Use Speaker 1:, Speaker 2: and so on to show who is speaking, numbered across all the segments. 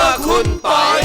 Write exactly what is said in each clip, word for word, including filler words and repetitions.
Speaker 1: คุณปอย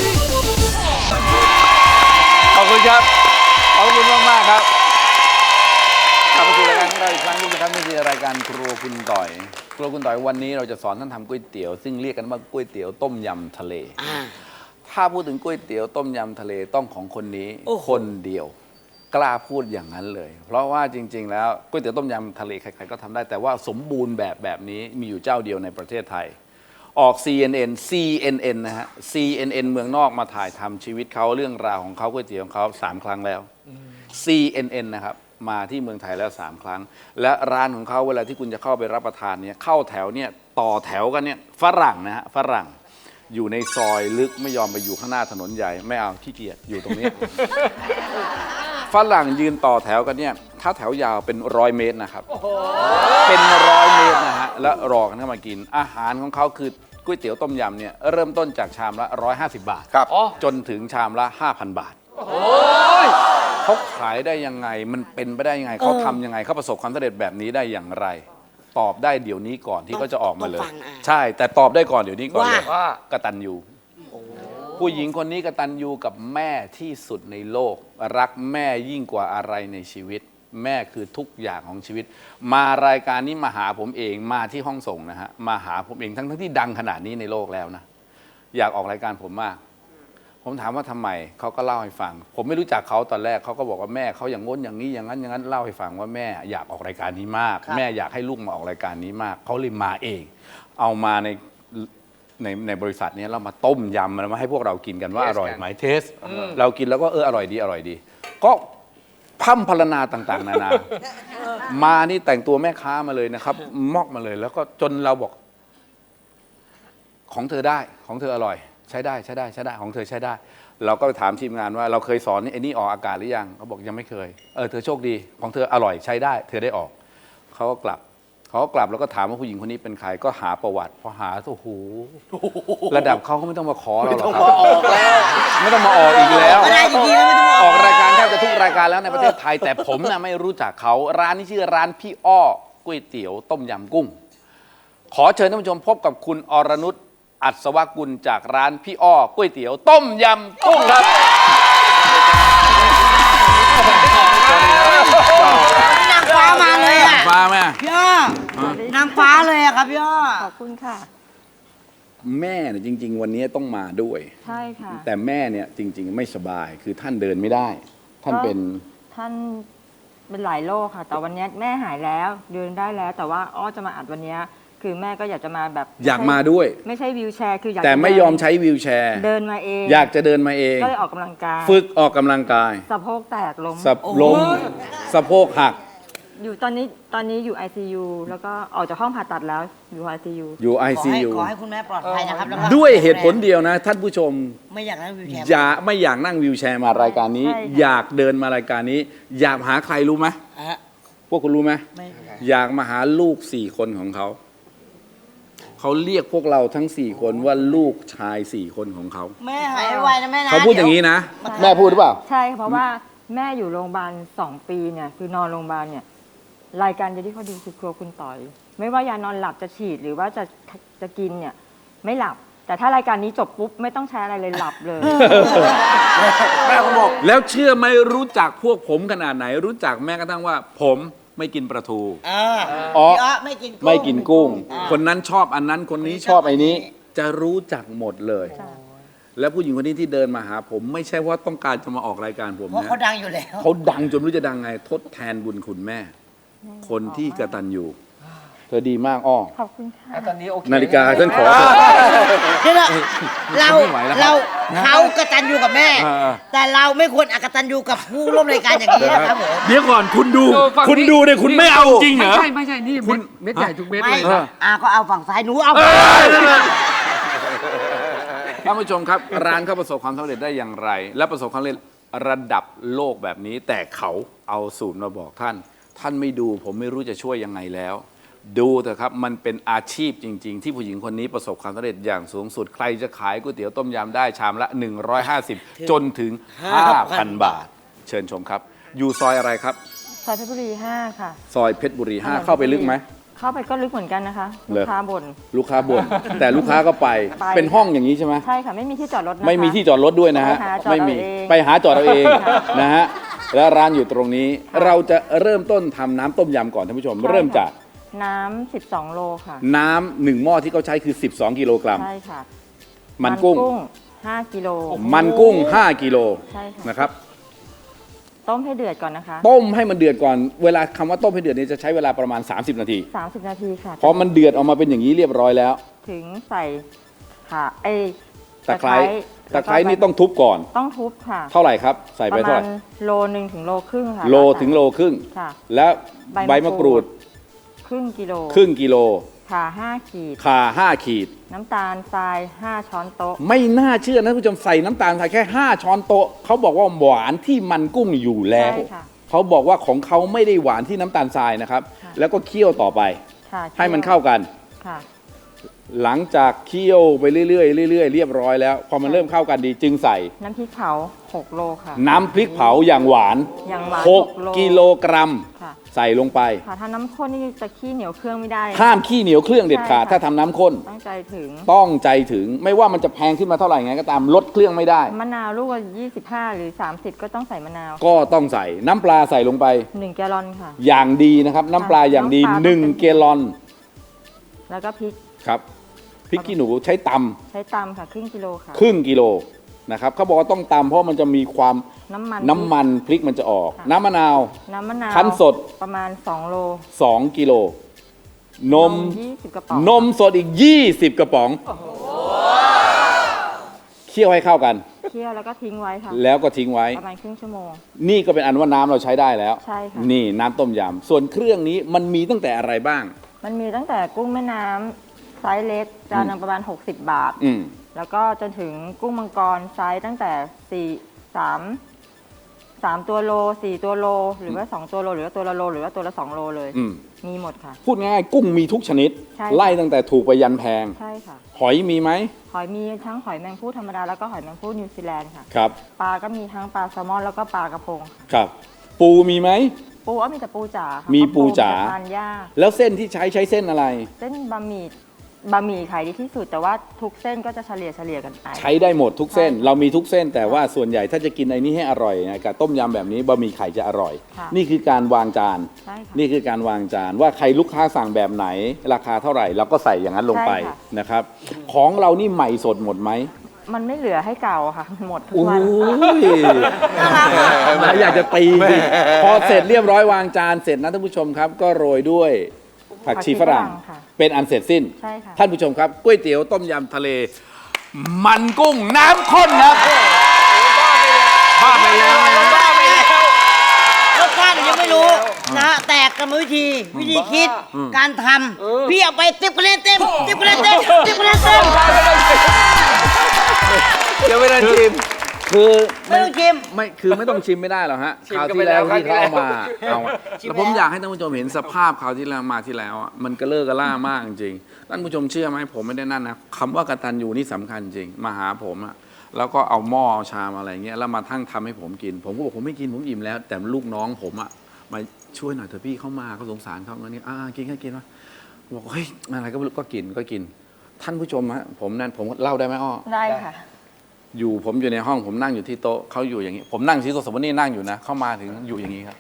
Speaker 2: ขอบคุณครับขอบคุณมากมากครับกลับมาสู่รายการของเราอีกครั้งนึงนะครับนี่คือรายการครัวคุณต่อยครัวคุณต่อยวันนี้เราจะสอนท่านทำก๋วยเตี๋ยวซึ่งเรียกกันว่าก๋วยเตี๋ยวต้มยำทะเลถ้าพูดถึงก๋วยเตี๋ยวต้มยำทะเลต้องของคนนี้คนเดียวกล้าพูดอย่างนั้นเลยเพราะว่าจริงๆแล้วก๋วยเตี๋ยวต้มยำทะเลใครๆก็ทำได้แต่ว่าสมบูรณ์แบบแบบนี้มีอยู่เจ้าเดียวในประเทศไทยออก ซี เอ็น เอ็น ซี เอ็น เอ็น นะฮะ ซี เอ็น เอ็น เมืองนอกมาถ่ายทำชีวิตเขาเรื่องราวของเขาก๋วยเตี๋ยวของเขาสามครั้งแล้ว ซี เอ็น เอ็น นะครับมาที่เมืองไทยแล้วสามครั้งและร้านของเขาเวลาที่คุณจะเข้าไปรับประทานเนี่ยเข้าแถวเนี่ยต่อแถวกันเนี่ยฝรั่งนะฮะฝรั่งอยู่ในซอยลึกไม่ยอมไปอยู่ข้างหน้าถนนใหญ่ไม่เอาขี้เกียจอยู่ตรงนี้ ฝรั่งยืนต่อแถวกันเนี่ยถ้าแถวยาวเป็นร้อยเมตรนะครับเป็นร้อยเมตรนะฮะแล้วรอกันเข้ามากินอาหารของเขาคือก๋วยเตี๋ยวต้มยำเนี่ยเริ่มต้นจากชามละหนึ่งร้อยห้าสิบบาทครับจนถึงชามละ ห้าพัน บาทเขาขายได้ยังไงมันเป็นไปได้ยังไงเขาทำยังไงเขาประสบความสำเร็จแบบนี้ได้อย่างไรตอบได้เดี๋ยวนี้ก่อนที่เขาจะออกมาเลยใช่แต่ตอบได้ก่อนเดี๋ยวนี้ก่อนเลยว่ากตัญญูผู้หญิงคนนี้กตัญญูกับแม่ที่สุดในโลกรักแม่ยิ่งกว่าอะไรในชีวิตแม่คือทุกอย่างของชีวิตมารายการนี้มาหาผมเองมาที่ห้องส่งนะฮะมาหาผมเองทั้งทั้งที่ดังขนาดนี้ในโลกแล้วนะอยากออกรายการผมมากผมถามว่าทำไมเขาก็เล่าให้ฟังผมไม่รู้จักเขาตอนแรกเขาก็บอกว่าแม่เขาอย่างง้นอย่างนี้อย่างนั้นอย่างนั้นเล่าให้ฟังว่าแม่อยากออกรายการนี้มากแม่อยากให้ลูกมาออกรายการนี้มากเขาเลยมาเองเอามาในในในบริษัทนี้เรามาต้มยำมาให้พวกเรากินกันว่าอร่อยไหมเทสเรากินแล้วก็เอออร่อยดีอร่อยดีก็พั่มพรรณนาต่างๆนานามานี่แต่งตัวแม่ค้ามาเลยนะครับมอกมาเลยแล้วก็จนเราบอกของเธอได้ของเธออร่อยใช้ได้ใช้ได้ใช้ได้ของเธอใช้ได้เราก็ไปถามทีมงานว่าเราเคยสอนไอ้นี่ออกอากาศหรือยังเขาบอกยังไม่เคยเออเธอโชคดีของเธออร่อยใช้ได้เธอได้ออกเขาก็กลับเขาก็กลับแล้วก็ถามว่าผู้หญิงคนนี้เป็นใครก็หาประวัติพอหาโอ้โหระดับเขาก็ไม่ต้องมาขอเราหรอกครับไม่ต้องมาออกอีกแล้วออกรายการแทบจะทุกรายการแล้วในประเทศไทยแต่ผมน่ะไม่รู้จักเขาร้านนี้ชื่อร้านพี่อ้อก๋วยเตี๋ยวต้มยำกุ้งขอเชิญท่านผู้ชมพบกับคุณอรนุชอัศวกุลจากร้านพี่อ้อก๋วยเตี๋ยวต้มยำกุ้งครับ
Speaker 3: นางฟ้ามาเลยอ่ะ
Speaker 2: ฟ้าไหม
Speaker 3: พี่อ้อนางฟ้าเลยอะครับพี่อ้อ
Speaker 4: ขอบคุณค่ะ
Speaker 2: แม่เนี่ยจริงๆวันนี้ต้องมาด้วย
Speaker 4: ใช่ค่ะ
Speaker 2: แต่แม่เนี่ยจริงๆไม่สบายคือท่านเดินไม่ได้ท่านเป็น
Speaker 4: ท่านเป็นหลายโรคค่ะแต่วันนี้แม่หายแล้วเดินได้แล้วแต่ว่าอ้อจะมาอัดวันนี้คือแม่ก็อยากจะมาแบบ
Speaker 2: อยากมาด้วย
Speaker 4: ไม่ใช่วีลแชร์คืออยาก
Speaker 2: แต่ไม่ยอมใช้วีลแชร์
Speaker 4: เดินมาเอง
Speaker 2: อยากจะเดินมาเอง
Speaker 4: ก็เลยออกกำลังกาย
Speaker 2: ฝึกออกกำลังกาย
Speaker 4: สะโพกแตกล้ม
Speaker 2: สะล้มสะโพกหัก
Speaker 4: อยู่ตอนนี้ตอนนี้อยู่ ไอ ซี ยู แล้วก็ออกจากห้องผ่าตัดแล้วอยู่ ไอ ซี ยู
Speaker 2: อยู่ ไอ ซี ยู
Speaker 3: ขอให้คุณแม่ปลอดภัยนะครับ
Speaker 2: ด้วยเหตุผลเดียวนะท่านผู้ชม
Speaker 3: ไม่อยากนั่งวีลแชร์
Speaker 2: อย่าไม่อยากนั่งวีลแชร์มารายการนี้อยากเดินมารายการนี้อยากหาใครรู้ไหมพวกคุณรู้ไหมอยากมาหาลูกสี่คนของเขาเขาเรียกพวกเราทั้งสี่คนว่าลูกชายสี่คนของเขา
Speaker 3: แม่หายไวนะแม่นะ
Speaker 2: เขาพูดอย่างนี้นะแม่พูดหรือเปล่า
Speaker 4: ใช่เพราะว่าแม่อยู่โรงพยาบาลสองปีเนี่ยคือนอนโรงพยาบาลเนี่ยรายการเดียวที่เขาดูคือครัวคุณต่อยไม่ว่ายานอนหลับจะฉีดหรือว่าจะจะกินเนี่ยไม่หลับแต่ถ้ารายการนี้จบปุ๊บไม่ต้องใช้อะไรเลยหลับเลย
Speaker 2: แม่บอกแล้วเชื่อไหมรู้จักพวกผมขนาดไหนรู้จักแม้กระทั่งว่าผมไม่กินปลาทู
Speaker 3: อ๋อไม่กิน
Speaker 2: ไม่กินกุ้งคนนั้นชอบอันนั้นคนนี้ชอบไอ้นี้จะรู้จักหมดเลยแล้วผู้หญิงคนนี้ที่เดินมาหาผมไม่ใช่ว่าต้องการจะมาออกรายการผมนะเพราะ
Speaker 3: เขาดังอยู่แล้ว
Speaker 2: เขาดังจนไม่รู้จะดังไงทดแทนบุญคุณแม่คนที่กตัญญูเธอดีมากอ้อ
Speaker 4: ขอบคุณค่ะ
Speaker 1: ตอนนี้โอเค
Speaker 2: นาฬิกาฉันขอ
Speaker 3: เดี๋ยวเราเราเขากตัญญูกับแม่แต่เราไม่ควรอกตัญญูกับผู้ร่วมรายการอย่างนี้นะครับผม
Speaker 2: เดี๋ยวก่อนคุณดูคุณดูเนี่ยคุณไม่เอาจริงเหรอ
Speaker 1: ไม่ใช่ไม่ใช่นี่คุณเม็ดใหญ่ทุกเม็ดเลย
Speaker 3: อ่าก็เอาฝั่งซ้ายหนูเอา
Speaker 2: ท่านผู้ชมครับร้านเขาประสบความสำเร็จได้อย่างไรและประสบความสำเร็จระดับโลกแบบนี้แต่เขาเอาสูตรมาบอกท่านท่านไม่ดูผมไม่รู้จะช่วยยังไงแล้วดูเถอะครับมันเป็นอาชีพจริงๆที่ผู้หญิงคนนี้ประสบความสำเร็จอย่างสูงสุดใครจะขายก๋วยเตี๋ยวต้มยำได้ชามละหนึ่งร้อยห้าสิบจนถึง ห้าพัน บาทเชิญชมครับอยู่ซอยอะไรครับ
Speaker 4: ซอยเพชรบุรีห้าค่ะ
Speaker 2: ซอยเพชรบุรีห้าเข้าไปลึกไหม
Speaker 4: เข้าไปก็ลึกเหมือนกันนะคะ
Speaker 2: เหร
Speaker 4: ลู
Speaker 2: อ
Speaker 4: กค้าบ่น
Speaker 2: ลูกค้าบ่น แต่ลูกค้าก็ไป
Speaker 4: ไป
Speaker 2: เป็นห้องอย่างนี้ใช่ไหม
Speaker 4: ใช่ค่ะไม่มีที่จอดรถนะคะ
Speaker 2: ไม่มีที่จอดรถด้วยนะฮะ
Speaker 4: ไปหาจอด
Speaker 2: ไม่มี
Speaker 4: เอาเอง
Speaker 2: ไปหาจอดเอาเอง
Speaker 4: ค่ะ
Speaker 2: นะฮะแล้วร้านอยู่ตรงนี้เราจะเริ่มต้นทำน้ำต้มยำก่อนท่านผู้ชม
Speaker 4: ใช่ค่ะ
Speaker 2: เริ่มจาก
Speaker 4: น้ำสิบสองโลค่ะ
Speaker 2: น้ำหนึ่งหม้อที่เขาใช้คือ สิบสอง กิโลกรัม
Speaker 4: ใช่ค่ะ
Speaker 2: มันกุ้ง
Speaker 4: ห้ากิโล
Speaker 2: มันกุ้ง ห้า กิโล
Speaker 4: ใช่ค่ะ
Speaker 2: นะครับ
Speaker 4: ต้มให้เดือดก่อนนะคะ
Speaker 2: ต้มให้มันเดือดก่อนเวลาคำว่าต้มให้เดือดเนี่ยจะใช้เวลาประมาณ สามสิบ นาที
Speaker 4: สามสิบนาทีค่ะ
Speaker 2: พอมันเดือดออกมาเป็นอย่างนี้เรียบร้อยแล้ว
Speaker 4: ถึงใส่ค่ะเอ้ย
Speaker 2: ตะไคร้ตะไคร้
Speaker 4: แล้วก็
Speaker 2: นี่ต้องทุบก่อน
Speaker 4: ต้องทุบค่ะ
Speaker 2: เท่าไหร่ครับ ใส่
Speaker 4: ป
Speaker 2: ไประ เท่า
Speaker 4: มา
Speaker 2: ไห
Speaker 4: ณ
Speaker 2: ร่
Speaker 4: โลหนึ่งถึงโลครึ่งค่ะ
Speaker 2: โลถึงโลครึ่ง
Speaker 4: ค่ะ
Speaker 2: แล้วใบ
Speaker 4: ใบ
Speaker 2: มะ
Speaker 4: มะ
Speaker 2: ก
Speaker 4: กรู
Speaker 2: รูด
Speaker 4: ด ครึ่งกิโล
Speaker 2: ครึ่งกิโล
Speaker 4: ค่ะห้าขีด
Speaker 2: ข่าห้าขีด
Speaker 4: น้ำตาลทรายห้าช้อนโต๊ะ
Speaker 2: ไม่น่าเชื่อนะท่านผู้ชมใส่น้ำตาลใส่แค่ ห้า ช้อนโต๊ะเขาบอกว่าหวานที่มันกุ้งอยู่แล้ว
Speaker 4: ใช่ค่ะ
Speaker 2: เขาบอกว่าของเขาไม่ได้หวานที่น้ำตาลทรายนะครับ
Speaker 4: ค่ะ
Speaker 2: แล้วก็เคี่ยวต่อไป
Speaker 4: ค่ะ
Speaker 2: ให้มันเข้ากัน
Speaker 4: ค่ะ
Speaker 2: หลังจากเคี่ยวไปเรื่อยๆเรื่อยๆเรียบร้อยแล้วพอมันเริ่มเข้ากันดีจึงใส่
Speaker 4: น้ำพริกเผาหกโลค่ะ
Speaker 2: น้ำพริกเผาอย่างหวาน
Speaker 4: อย่างหวาน
Speaker 2: ห
Speaker 4: ห
Speaker 2: ก
Speaker 4: กโล
Speaker 2: กิโลกรัม
Speaker 4: ค่ะ
Speaker 2: ใส่ลงไป
Speaker 4: ค่ะถ้าน้ำข้นนี่จะขี้เหนียวเครื่องไม่ได้
Speaker 2: ห้ามขี้เหนียวเครื่องเด็ดขาด
Speaker 4: ใช่ค่ะ
Speaker 2: ถ้าทำน้ำข้น
Speaker 4: ตั้งใจถึง
Speaker 2: ต้องใจถึงไม่ว่ามันจะแพงขึ้นมาเท่าไหร่ไงก็ตามลดเครื่องไม่ได้
Speaker 4: มะนาวลูกละยี่สิบห้าหรือสามสิบก็ต้องใส่มะนาว
Speaker 2: ก็ต้องใส่น้ำปลาใส่ลงไป
Speaker 4: หนึ่งแกลลอนค่ะ
Speaker 2: อย่างดีนะครับน้ำปลาอย่างดี
Speaker 4: น้ำปลา
Speaker 2: หนึ่ง
Speaker 4: ต้องเป็น
Speaker 2: เกลลอน
Speaker 4: แล้วก็พริก
Speaker 2: ครับพริกขี้หนูใช้ต
Speaker 4: ใช้ตำค่ะครึ่งกิโลค่ะ
Speaker 2: ำครึ่งกิโลนะครับเขาบอกว่าต้องตำเพราะมันจะมีความ
Speaker 4: น้ำมัน
Speaker 2: น้ำมันพริกมันจะออก
Speaker 4: ค่ะ
Speaker 2: น้ำมะนาว
Speaker 4: น้ำมะนาว
Speaker 2: คั้นสด
Speaker 4: ประมาณสองโล
Speaker 2: สอง กิโลนม
Speaker 4: ยี่สิบกระป๋อง
Speaker 2: นมสดอีก ยี่สิบ กระป๋องเคี่ยวให้เข้ากัน
Speaker 4: เคี่ยวแล้วก็ทิ้งไว้ค่ะ
Speaker 2: แล้วก็ทิ้งไว้
Speaker 4: ประมาณครึ่งชั่วโมง
Speaker 2: นี่ก็เป็นอันว่าน้ำเราใช้ได้แล้ว
Speaker 4: ใช่ค่ะ
Speaker 2: นี่น้ำต้มยำส่วนเครื่องนี้มันมีตั้งแต่อะไรบ้าง
Speaker 4: มันมีตั้งแต่กุ้งแม่น้ำไซส์เล็กจานหนึงประมาณ หกสิบ บาท
Speaker 2: อืม
Speaker 4: แล้วก็จนถึงกุ้งมังกรไซส์ตั้งแต่สี่สามสามตัวโลสี่ตัวโล หรือว่าสองตัวโล หรือว่าตัวละโล หรือว่าตัวละสองโลเลย
Speaker 2: อืม
Speaker 4: มีหมดค่ะ
Speaker 2: พูดง่ายๆกุ้งมีทุกชนิด
Speaker 4: ใช่
Speaker 2: ไล่ตั้งแต่ถูกไปยันแพง
Speaker 4: ใช่ค่ะ
Speaker 2: หอยมีไหม
Speaker 4: หอยมีทั้งหอยแมงผู้ธรรมดาแล้วก็หอยแมงผู้นิวซีแลนด์ค่ะ
Speaker 2: ครับ
Speaker 4: ปลาก็มีทั้งปลาแซลมอนแล้วก็ปลากระพงค่ะ
Speaker 2: ครับ ปูมีไหม
Speaker 4: ปูก็มีแต่ปูจ๋าค่ะ
Speaker 2: มีปูจ๋า
Speaker 4: เพระทานยาก
Speaker 2: แล้วเส้นที่ใช้ใช้เส้นอะไร
Speaker 4: เส้นบะหมี่บะหมี่ขายดีที่สุด แต่ว่าทุกเส้นก็จะเฉลี่ยเฉลี่ยกันไป
Speaker 2: ใช้ได้หมดทุกเส้น
Speaker 4: ใช่
Speaker 2: เรามีทุกเส้น แต่ว่าส่วนใหญ่ถ้าจะกินไอ้นี้ให้อร่อยนะกับต้มยำแบบนี้บะหมี่ไข่จะอร่อย
Speaker 4: ค่ะ
Speaker 2: นี่คือการวางจาน
Speaker 4: ใช่ค่ะ
Speaker 2: นี่คือการวางจานว่าใครลูกค้าสั่งแบบไหน ราคาเท่าไหร่เราก็ใส่อย่างนั้นลงไป
Speaker 4: ใช่ค่ะ
Speaker 2: นะครับ ของเรานี่ใหม่สดหมดไหม
Speaker 4: มันไม่เหลือให้เก่าอะค่ะมันหมดทุก
Speaker 2: โอ้
Speaker 4: วัน
Speaker 2: ยมาอยากจะตีสิพอเสร็จเรียบร้อยวางจานเสร็จนะท่านผู้ชมครับ ก็โรยด้วยผักชีฝรั่ง
Speaker 4: ค่ะ
Speaker 2: เป็นอันเสร็จสิ้น
Speaker 4: ใช่ค่ะ
Speaker 2: ท่านผู้ชมครับก๋วยเตี๋ยวต้มยำทะเล มันกุ้งน้ำข้นครับบ้าไปแล้วบ้าไปแล้ว
Speaker 3: รสชาติยังไม่รู้นะฮะแต่กรรมวิธีวิธีคิดการทำพี่เอาไปติ๊บคะแนนเต็มติ๊บคะแนนเต็มติ๊บคะแนนเต็ม
Speaker 2: เดี๋ยวไม่ได้ชิมคือ
Speaker 3: ไม่ต้องชิม
Speaker 2: ไม่คือไม่ต้องชิมไม่ได้หรอกฮะ
Speaker 1: ชิม
Speaker 2: คราว
Speaker 1: กัน
Speaker 2: ที่
Speaker 1: ไปแล้
Speaker 2: แล้ว
Speaker 1: ว
Speaker 2: ที่เขาเอามาเอา
Speaker 3: ชิม
Speaker 2: แล้วผม
Speaker 3: แล้ว
Speaker 2: อยากให้ท่านผู้ชมเห็นสภาพคราวที่แล้วมาที่แล้วอะมันกระเลิกกระล่ามากจริงๆท่านผู้ชมเชื่อไหมผมไม่ได้นั่นนะคำว่ากตัญญูนี่สำคัญจริงมาหาผมอะแล้วก็เอาหม้อเอาชามอะไรเงี้ยแล้วมาทั้งทำให้ผมกิน ผมก็บอกผมไม่กินผมอิ่มแล้ว แต่ลูกน้องผมอะมาช่วยหน่อยเถอะพี่เข้ามาเขาสงสารเขาเงี้ยอ่ากินก็กินวะบอกเฮ้ยอะไรก็ไม่รู้ก็กินก็กิน ท่านผู้ชมฮะผมนั่นผมเล่าได้ไหมอ้อ
Speaker 4: ได้ค่ะ
Speaker 2: อยู่ผมอยู่ในห้องผมนั่งอยู่ที่โต๊ะเขาอยู่อย่างนี้ ผมนั่งที่โต๊ะสมมตินี่นั่งอยู่นะ เข้ามาถึงอยู่อย่างนี้ครับ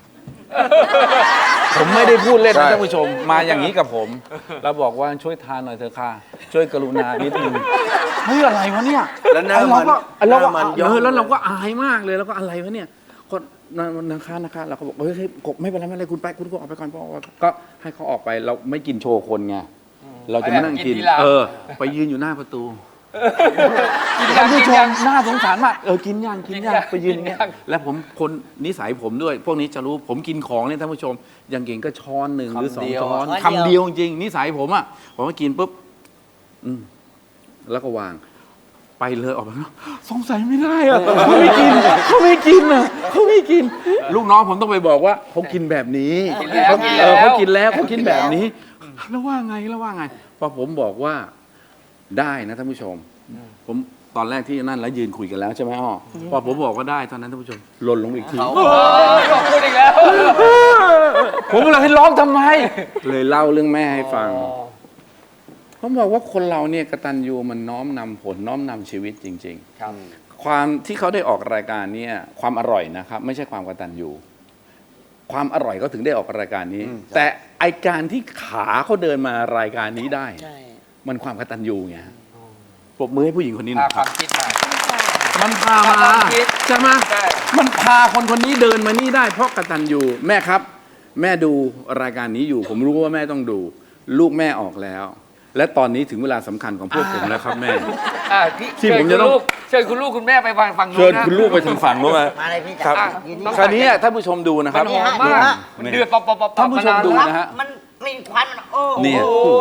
Speaker 2: ผมไม่ได้พูดเล่นนะท่านผู้ชมมาอย่างนี้กับผม แล้วบอกว่าช่วยทานหน่อยเถอะค่ะ ช่วยกรุณานิดนึงเฮ้ยอะไรวะเนี่ย
Speaker 1: แล้วหน้า
Speaker 2: เราก็
Speaker 1: มัน
Speaker 2: เราก็
Speaker 1: หน้ามันย่อ
Speaker 2: เออแล้วเราก็อายมากเลยแล้วก็อะไรวะเนี่ยก็นะคะนะคะเราก็บอกเฮ้ยเฮ้ยไม่เป็นไรไม่เป็นไรคุณไปคุณก็ออกไปก่อนพ่อก็ให้เขาออกไปเราไม่กินโชว์คนไงเราจะมานั่งกิน เออ ไปยืนอยู่หน้าประตู ท่านผู้ชมน่าสงสารมากเออกินย่างกินย่างไปยืนอย่างเงี้ยแล้วผมคนนิสัยผมด้วย พวกนี้จะรู้ผมกินของเนี่ยท่านผู้ชมอย่างเก่งก็ช้อนหนึ่งหรือสองช้อน
Speaker 3: คำเดียว
Speaker 2: คำเดียวจริงนิสัยผมอ่ะผมก็กินปุ๊บอืมแล้วก็วาง ไปเลยออกมาสงสัยไม่ได้อะเขาไม่กินเขาไม่กินอ่ะเขาไม่กิน ลูกน้องผมต้องไปบอกว่าเขากินแบบนี้
Speaker 1: กินแล้ว
Speaker 2: เขา
Speaker 1: กิน
Speaker 2: เอ
Speaker 1: แล้ว
Speaker 2: อเขากินแล้วเขากินแบบนี้ แล้วว่าไงแล้วว่าไงพอผมบอกว่าได้นะท่านผู้ชม ผมตอนแรกที่นั่นแล้วยืนคุยกันแล้วใช่ไหมอ้อพอผมบอกว่าได้ตอนนั้นท่านผู้ชมหล่นลงอีกที
Speaker 1: เขาบอกพูดอีกแล้ว
Speaker 2: ผมเลยให้ร้องทำไม เลยเล่าเรื่องแม่ให้ฟังผมบอกว่าคนเราเนี่ยกตัญญูมันน้อมนำผลน้อมนำชีวิตจริงๆ
Speaker 1: ครับ
Speaker 2: ความที่เขาได้ออกรายการเนี่ยความอร่อยนะครับ ไม่ใช่ความกตัญญูความอร่อยเขาถึงได้ออกรายการนี้ แต่ไอการที่ขาเขาเดินมารายการนี้ได้
Speaker 3: ใช่
Speaker 2: มันความกตัญญูไงฮะปรบมือให้ผู้หญิงคนนี้ห
Speaker 1: พา
Speaker 2: นะ
Speaker 1: ค
Speaker 2: ครั
Speaker 1: วา
Speaker 2: บ
Speaker 1: มคิดมา
Speaker 2: มันพามา
Speaker 1: ความคิด
Speaker 2: ใช่ไหม
Speaker 1: ใช่
Speaker 2: มันพาคนคนนี้เดินมานี่ได้เพราะกตัญญูแม่ครับ แม่ดูรายการนี้อยู่ ผมรู้ว่าแม่ต้องดู ลูกแม่ออกแล้ว และตอนนี้ถึงเวลาสำคัญของพวกผมแล้วครับแม่
Speaker 1: อ่าพี่
Speaker 2: ที่
Speaker 1: เชิญ
Speaker 2: ผม
Speaker 1: คุ
Speaker 2: จะ
Speaker 1: ณ
Speaker 2: ต้อง
Speaker 1: ลูกเชิญคุณลูกคุณแม่ไปฟังฟัง
Speaker 2: เชิญ
Speaker 1: นะ
Speaker 2: คุณลูกไปถึงฝั่งรู้ไหม
Speaker 3: มาเลยพี่
Speaker 2: ครั
Speaker 3: จ๋า
Speaker 2: บ
Speaker 3: ยืน
Speaker 1: ต้
Speaker 3: นี่
Speaker 1: อง
Speaker 2: คราวนี้ท่านผู้ชมดูนะค
Speaker 1: มั
Speaker 2: รับ
Speaker 1: นหอมมากมันเดือดปอบปอบปอบ
Speaker 2: ท่านผู้ชมดู
Speaker 1: ม
Speaker 2: นะฮะ
Speaker 3: มันกลิ่นควันมันโอ้โห
Speaker 2: เนี่ย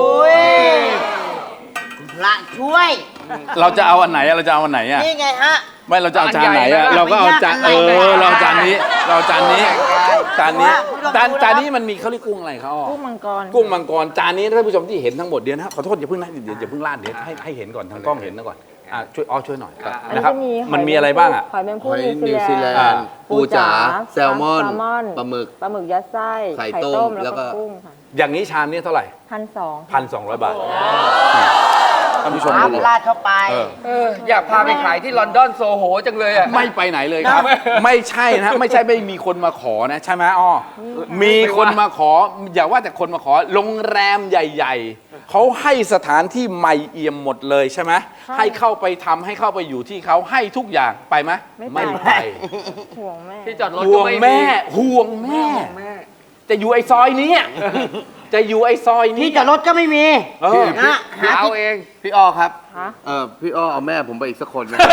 Speaker 3: พระช่วย
Speaker 2: เราจะเอาอันไหนอะเราจะเอาอันไหนอะ
Speaker 3: นี่ไงฮะ
Speaker 2: ไม่เราจะเอาจานไหนอะเราก็เอาจานเออเราเอาจานนี้ เราเอาจานนี้จานนี้จานจานนี้มันมีเขาเรียกกุ้งอะไรครับอ้อ
Speaker 4: กุ้งมังกร
Speaker 2: กุ้งมังกรจานนี้ท่านผู้ชมที่เห็นทั้งหมดเดี๋ยวนะขอโทษอย่าเพิ่งนะเดี๋ยวอย่าเพิ่งลาดเดี๋ยวให้ให้เห็นก่อนทางกล้องเห็นนะก่อนอ่ะช่วยอ้อช่วยหน่อยครับ
Speaker 4: อัน
Speaker 2: นะ
Speaker 4: นี้
Speaker 2: ครับ
Speaker 4: จะมีหย
Speaker 2: มันมีอะไรบ้างอ่ะ
Speaker 4: หอยแมง
Speaker 5: ห
Speaker 4: ผู้
Speaker 5: อย
Speaker 4: นิ
Speaker 5: นิ
Speaker 4: ว
Speaker 5: ว
Speaker 4: ซี
Speaker 5: ซี
Speaker 4: แล
Speaker 5: แล
Speaker 4: น
Speaker 5: น
Speaker 4: ด์
Speaker 5: ด์ปูจ๋าแซลมอน
Speaker 4: แซลมอน
Speaker 5: ปลาหมึก
Speaker 4: ปลาหมึกยัดไส้
Speaker 5: ไข่ต้ม
Speaker 4: แล้
Speaker 5: แล้ว ว
Speaker 4: ก็
Speaker 5: ก็
Speaker 4: กุ้งค่ะ
Speaker 2: อย่างนี้ชามนี้เท่าไหร่
Speaker 4: พันสอง
Speaker 2: พันสองร้อยบาทท่านผู้ชม
Speaker 3: น้
Speaker 2: ดู
Speaker 3: ำลาดเข้าไป
Speaker 2: เออ
Speaker 1: เอออยากพาไปขายที่ลอนดอนโซโหจังเลยอ่ะ
Speaker 2: ไม่ไปไหนเลยครับ ไม่ใช่นะไม่ใช่ไม่มีคนมาขอนะใช่ไหมอ้อมีคนมาขอ อย่าว่าแต่คนมาขอโรงแรมใหญ่ ๆเขาให้สถานที่ใหม่เอี่ยมหมดเลยใช่ไหมให้เข้าไปทำให้เข้าไปอยู่ที่เขาให้ทุกอย่างไปไหม
Speaker 4: ไม่ไป
Speaker 2: ไป
Speaker 4: ห่วงแม่
Speaker 1: ที่จอดรถ
Speaker 2: ห่
Speaker 1: ก็
Speaker 2: วง
Speaker 1: ไม่
Speaker 2: แม่ห่วงแม่
Speaker 1: แม่
Speaker 2: จะอยู่ไอ้ซอยนี้อะจะอยู่ไอ้ซอยนี้
Speaker 3: ที่จอดรถก็ไม่มี
Speaker 2: เออ
Speaker 3: นะหา
Speaker 1: เอา
Speaker 3: ที่
Speaker 1: เอง
Speaker 5: พี่อ้อครับ
Speaker 4: ฮะ
Speaker 5: เออพี่อ้อเอาแม่ผมไปอีกสักคนนะ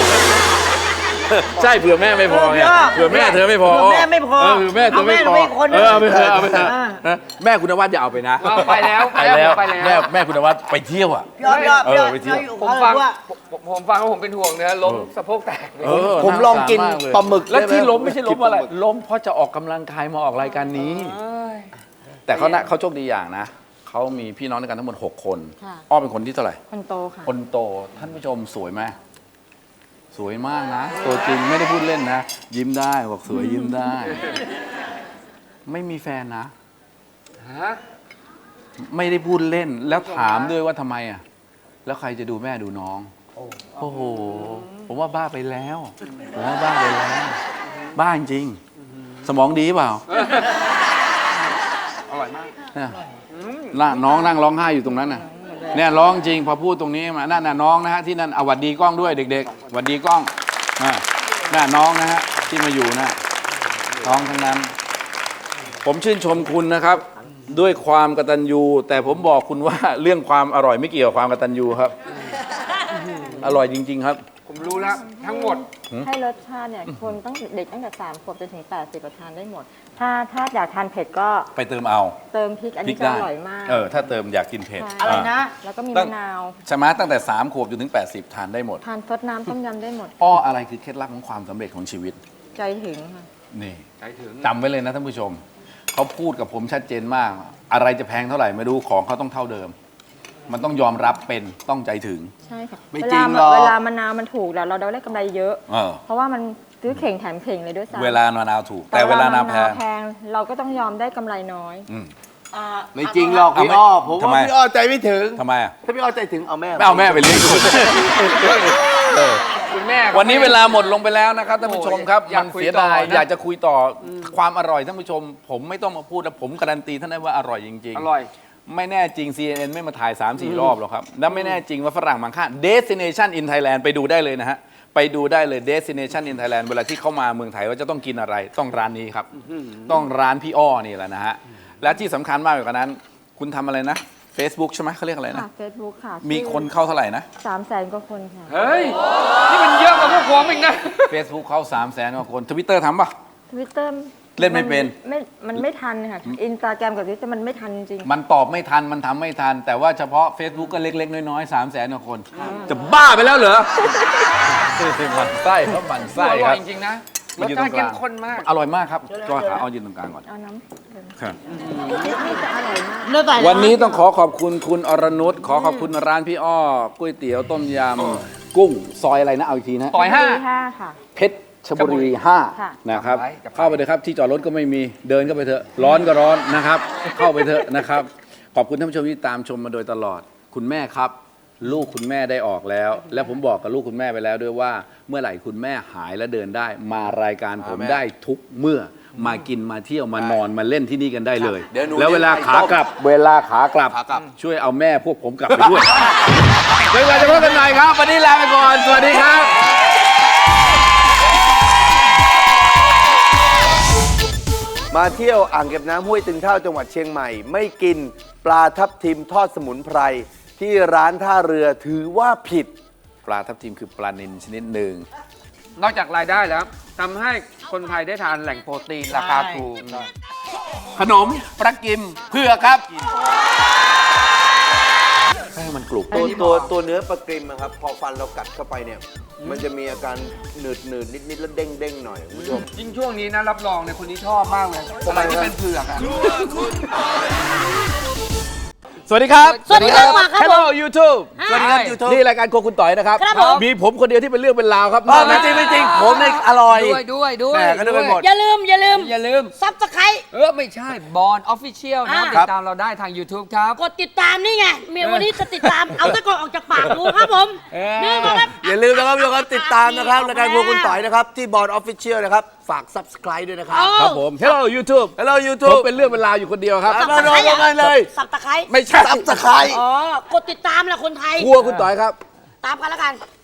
Speaker 2: ใช่เผื่อแม่ไม่พอไงเผื่อแม่เธอไม่พอ
Speaker 3: เผื่อแม่ไม่พอ
Speaker 2: เออเผื่อแม่เธอไม่พอ
Speaker 3: เอาแม่หนูไปอีกคนหนึ่
Speaker 2: เอง อเอาไปเถอะเอาไปเถอะ
Speaker 3: อ่า
Speaker 2: นะแม่คุณนวัดอย่าเอาไปนะ
Speaker 1: เอาไปแล้ว
Speaker 2: ไปแล้ว
Speaker 1: ไปแล้ว
Speaker 2: แม่แม่คุณนวัดไปเที่ยวอ่ะ
Speaker 3: พี่อ้อพี่อ้อพี่อ้อ
Speaker 2: เออไปเที่ยว
Speaker 3: พี่อ้อ
Speaker 1: ผม
Speaker 3: เขา
Speaker 1: ฟัง
Speaker 3: เลยว่า
Speaker 1: ผมผมฟังแล้วผมเป็นห่วงเนื้อล้มสะโพกแตกเลย
Speaker 2: เออ
Speaker 5: ผมลองกิน
Speaker 2: น่าสงสารมากเลย
Speaker 5: ปลาหมึก
Speaker 2: แล้ว
Speaker 5: ได้ไหม
Speaker 2: ที่ล้มไม่ใช่ล้มอะไร
Speaker 5: กินปลาหมึก
Speaker 2: ล้มเพราะจะออกกำลังกายมาออกรายการนี้
Speaker 1: เอ้ย
Speaker 2: แต่เขานะเขาโชคดีอย่างนะเขามีพี่น้องด้วยกันทั้งหมดหกคน
Speaker 4: ค่ะ
Speaker 2: อ้อเป็นคนที่เท่าไหร่
Speaker 4: คนโตค่ะ
Speaker 2: คนโตท่านผู้ชมสวยไหมสวยมากนะ ตัวจริงไม่ได้พูดเล่นนะ ยิ้มได้บอกสวยยิ้มได้ ไม่มีแฟนนะ
Speaker 1: ฮะ
Speaker 2: ไม่ได้พูดเล่นแล้วถามด้วยว่าทำไมอ่ะ แล้วใครจะดูแม่ดูน้อง โอ้โห ผมว่าบ้าไปแล้ว ผมว่าบ้าไปแล้ว บ้าจริง สมองดีเปล่า
Speaker 1: อร่อยมาก
Speaker 2: เนี่ยน่ะน้องนั่งร้องไห้อยู่ตรงนั้นน่ะเนี่ยร้องจริงพอพูดตรงนี้มานั่นน่ะน้องนะฮะที่นั่นเอาหวัดดีกล้องด้วยเด็กๆหวัดดีกล้องอ่าน่ะน้องนะฮะที่มาอยู่น่ะน้องทั้งนั้น ผมชื่นชมคุณนะครับ ด้วยความกตัญญูแต่ผมบอกคุณว่าเรื่องความอร่อยไม่เกี่ยวกับความกตัญญูครับ อร่อยจริง ๆ ครับ
Speaker 1: ผมรู้แล้วทั้งหมด
Speaker 4: ให้รสชาติเนี่ยคนตั้งเด็กตั้งแต่สามขวบจนถึงแปดสิบทานได้หมด ถ้าถ้าอยากทานเผ็ดก็
Speaker 2: ไปเติมเอา
Speaker 4: เติมพริกอัน
Speaker 2: พริ
Speaker 4: นี้
Speaker 2: ก
Speaker 4: จะ
Speaker 2: ได้
Speaker 4: อร่อยมาก
Speaker 2: เออถ้าเติมอยากกินเผ็ด
Speaker 4: ใช่
Speaker 3: อะไรนะ
Speaker 4: แล้วก็มี
Speaker 2: ตั้
Speaker 4: มะ
Speaker 2: ง
Speaker 4: นาว
Speaker 2: ใช่ไหมตั้งแต่สามขวบจนถึงแปดสิบทานได้หมด
Speaker 4: ทานซดน้ำต้มยำได้หมด
Speaker 2: อ้ออะไรคือเคล็ดลับของความสำเร็จของชีวิต
Speaker 4: ใจถึงค่ะ
Speaker 2: นี่
Speaker 1: ใจถึง
Speaker 2: จำไว้เลยนะท่านผู้ชม เขาพูดกับผมชัดเจนมาก อะไรจะแพงเท่าไหร่ไม่รู้ของเขาต้องเท่าเดิม มันต้องยอมรับเป็นต้องใจถึง
Speaker 4: ใช่ค่ะ
Speaker 5: ไม่
Speaker 4: เว
Speaker 5: จริ
Speaker 4: ลาง
Speaker 5: หรอก
Speaker 4: เวลามะนาวมันถูกแล้วเราได้กำไรเยอะ
Speaker 2: เออ
Speaker 4: เพราะว่ามันซื้อเข่งแถมเข่งเลยด้วยซ้ำ
Speaker 2: เวลามะนาวถูก แต่เวลานาวแพง
Speaker 4: แพงเราก็ต้องยอมได้กำไรน้อย
Speaker 2: อืม
Speaker 3: อ่า
Speaker 5: ไม่จริงหรอก
Speaker 2: เอา
Speaker 5: พี่
Speaker 2: ไม่
Speaker 5: อ้อ ผม
Speaker 2: ทำไม
Speaker 5: ว่าพี่อ้อใจไม่ถึง
Speaker 2: ทำไมอ่ะ
Speaker 5: ถ้าพี่อ้อใจถึงเอาแม่
Speaker 2: ไม่เอาแม่ไปเลี้ยงคุณเออ
Speaker 1: คุณแม่ก็
Speaker 2: วันนี้
Speaker 1: ไม่
Speaker 2: เวลาหมดลงไปแล้วนะครับท่านผู้ชมครับ
Speaker 1: อยาก
Speaker 2: มัน
Speaker 1: คุย
Speaker 2: เสียดาย
Speaker 1: ต่อนะ
Speaker 2: อยากจะคุยต่ออความอร่อยท่านผู้ชม ผมไม่ต้องมาพูดแล้วผมการันตีท่านได้ว่าอร่อยจริง
Speaker 1: อ
Speaker 2: ๆ
Speaker 1: ร่อย
Speaker 2: ไม่แน่จริง ซี เอ็น เอ็น ไม่มาถ่าย สามสี่ รอบหรอกครับ และไม่แน่จริงว่าฝรั่งบางค่า Destination in Thailand ไปดูได้เลยนะฮะ ไปดูได้เลย Destination in Thailand เวลาที่เข้ามาเมืองไทยว่าจะต้องกินอะไร ต้องร้านนี้ครับ ต้องร้านพี่อ้อนี่แหละนะฮะ และที่สำคัญมากกว่านั้น คุณทำอะไรนะ Facebook ใช่ไหมเขาเรียกอะไรนะ
Speaker 4: ค่ะเฟซบุ๊กค่ะ
Speaker 2: มีคนเข้าเท่าไหร่นะ
Speaker 4: สามแสนกว่าคนค่ะ
Speaker 1: เฮ้ย นี่มันเยอะกว่าพวกผมอีกนะ
Speaker 2: Facebook เข้า3 0 0แสนกว่าคน Twitter ทำปะ
Speaker 4: ทวิตเตอร์
Speaker 2: เล่นไม่เป็น
Speaker 4: ไม่มันไม่ทันค่ะอินสตาแกรมกับทวิตเตอร์มันไม่ทันจริง
Speaker 2: มันตอบไม่ทัน มันทำไม่ทัน แต่ว่าเฉพาะ Facebook ก็เล็ก ๆ น้อยๆ3 0 0แสนกว่าคน จะบ้าไปแล้วเหรอ มันไส้ครับมันไส้
Speaker 1: อ
Speaker 2: ค
Speaker 1: ร่อ
Speaker 2: รั
Speaker 1: ย
Speaker 2: บ
Speaker 1: จริงๆนะร
Speaker 2: มัน
Speaker 1: ส
Speaker 2: อยู่
Speaker 1: ชา
Speaker 2: ตร
Speaker 1: ติ
Speaker 2: งกลาง
Speaker 1: เข้มข้นมาก
Speaker 2: อร่อยมากครับก็ขาเอายืนตรงกลางก่อน
Speaker 4: ๆเอาน้ำ
Speaker 2: ครับ
Speaker 4: นี่จะอร่อยมาก
Speaker 3: เนื้อไก่
Speaker 2: วันนี้ต้องขอขอบคุณคุณอรนุชขอขอบคุณร้านพี่อ้อก๋วยเตี๋ยวต้มยำกุ้งซอยอะไรนะเอาอีกทีนะ
Speaker 1: ต่อยห้า
Speaker 4: ห้าค่ะ
Speaker 2: เพชรชลบุรีห้า
Speaker 4: ค่ะ
Speaker 2: นะครับ
Speaker 1: จำไว้จำไว้
Speaker 2: เข้าไปเลยครับที่จอดรถก็ไม่มีเดินก็ไปเถอะร้อนก็ร้อนนะครับ เข้าไปเถอะนะครับ ขอบคุณท่านผู้ชมที่ตามชมมาโดยตลอด คุณแม่ครับ ลูกคุณแม่ได้ออกแล้ว และผมบอกกับลูกคุณแม่ไปแล้วด้วยว่า เมื่อไหร่คุณแม่หายและเดินได้ มารายการผมได้ทุกเมื่อมากินมาเที่ยวมานอนมาเล่นที่นี่กันได้เลย
Speaker 5: เดี๋ยวหนู
Speaker 2: แล้วเวลา
Speaker 5: เลี้ยงไก่
Speaker 2: ขากลับ เวลาขากลับ
Speaker 5: ขากลับ
Speaker 2: ช่วยเอาแม่พวกผมกลับไปด้วย เดี๋ยวเราจะพบกันใหม่ครับ วันนี้ลาไปก่อน สวัสดีครับ
Speaker 5: มาเที่ยวอ่างเก็บน้ำห้วยตึงเท่าจังหวัดเชียงใหม่ ไม่กินปลาทับทิมทอดสมุนไพรที่ร้านท่าเรือถือว่าผิด
Speaker 2: ปลาทับทิมคือปลานิลชนิดหนึ่ง
Speaker 1: นอกจากรายได้แล้วทำให้คนไทยได้ทานแหล่งโปรตีนราคาถูก
Speaker 2: ขนมปลากิมเพื่อครับให้มันกรุบ
Speaker 5: ตัวตัวตัวเนื้อปลากริมอะครับ พอฟันเรากัดเข้าไปเนี่ย มันจะมีอาการหนืดหนืดนิดนิดๆแล้วเด้งเด้งๆหน่อยคุณผู้ชม
Speaker 1: ยิ่งช่วงนี้นะรับรองเนี่ยคนนี้ชอบมากเลยอะไรที่เป็นเผือกอะ
Speaker 2: สวัสดีครับ
Speaker 3: สวัสดีครับครับผม
Speaker 2: Hello YouTube
Speaker 3: ฮะ
Speaker 5: สวัสดีครับ YouTube
Speaker 2: นี่รายการโครัวคุณต่อยนะครับ
Speaker 3: ครับผม
Speaker 2: มีผมคนเดียวที่เป็นเรื่องเป็นราวครับ
Speaker 5: อ๋อไม่จริงไม่จริงผมเนี่ยอร่อย
Speaker 1: ด้วยด้วยด้วย
Speaker 5: แหม่ก็นึกไปหมด
Speaker 3: อย่าลืมอย่าลืม
Speaker 1: อย่าลืม
Speaker 3: ซับสไครต์
Speaker 1: เออ ไม่ใช่บอลออฟฟิเชียลนะ
Speaker 3: อ่า
Speaker 1: ติดตามเราได้ทาง YouTube ครับ
Speaker 3: กดติดตามนี่ไงเมียวันนี้จะติดตาม เอาตะกอนออกจากปากกูครับผม
Speaker 1: เออ
Speaker 3: นี่นะครับ
Speaker 5: อย่าลืมนะครับทุกคนติดตามนะครับรายการพวกคุณต่อยนะครับที่บอร์ดออฟฟิเชียลนะครับฝาก Subscribe ด้วยนะครับ
Speaker 2: ครับผม Hello YouTube
Speaker 5: Hello
Speaker 2: ผม
Speaker 5: YouTube
Speaker 2: เป็นเรื่องเป็นราวอยู่คนเดียวครับ
Speaker 5: มาโดนกันเลย
Speaker 3: สับตะไคร้
Speaker 2: ไม่ใช่
Speaker 5: Subscribe
Speaker 3: อ๋อกดติดตามแหละคนไทย
Speaker 2: ครัวคุณต่อยครับ
Speaker 3: ตามกันแล้วกัน